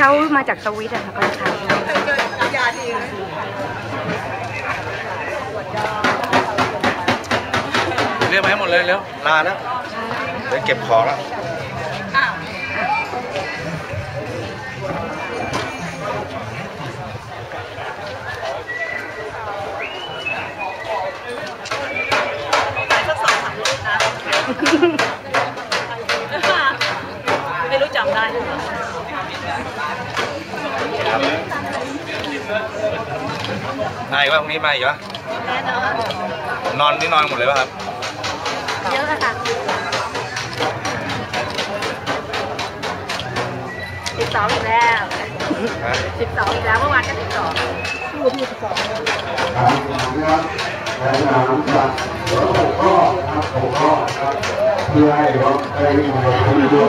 เขามาจากสวิตอะค่ะก็ใช้ยาดีเรียกมาให้หมดเลยเร็วลาแล้วเดี๋ยวเก็บของแล้วไม่รู้จำได้มาอีกว่าพรุ่งนี้มาอีกวะแน่นอนนอนนี่นอนหมดเลยป่ะครับเยอะค่ะ12อีกแล้ว12อีกแล้วเมื่อวานก็12คู่ที่12 เพื่อให้รถได้วิ่งมาด้วย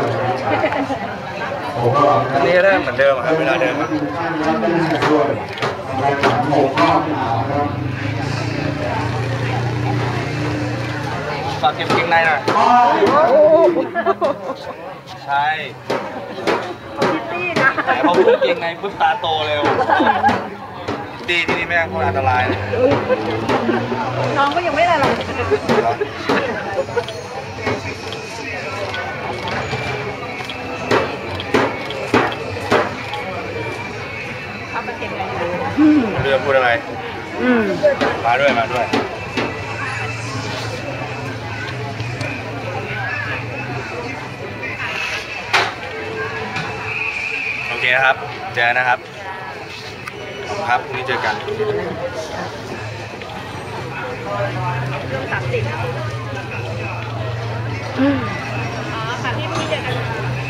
อันนี้ได้เหมือนเดิมครับเวลาเดิมฝากเก็บเกงในหน่อยใช่แต่พอพูดเกงในปุ๊บตาโตเร็วดีที่นี่แม่งคนอันตรายน้องก็ยังไม่ได้อะไรเรือพูดอะไรมาด้วยมาด้วยโอเคนะครับเจอนะครับครับพรุ่งนี้เจอกัน 30ค่ะที่พี่เจอกัน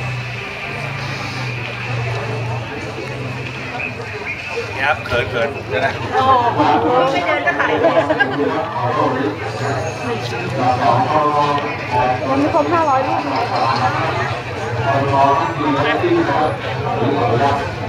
นี่ครับเขินเดี๋ยวนะโอ้โหไม่เดินก็ขายเลยยังไม่ครบ500 ลูก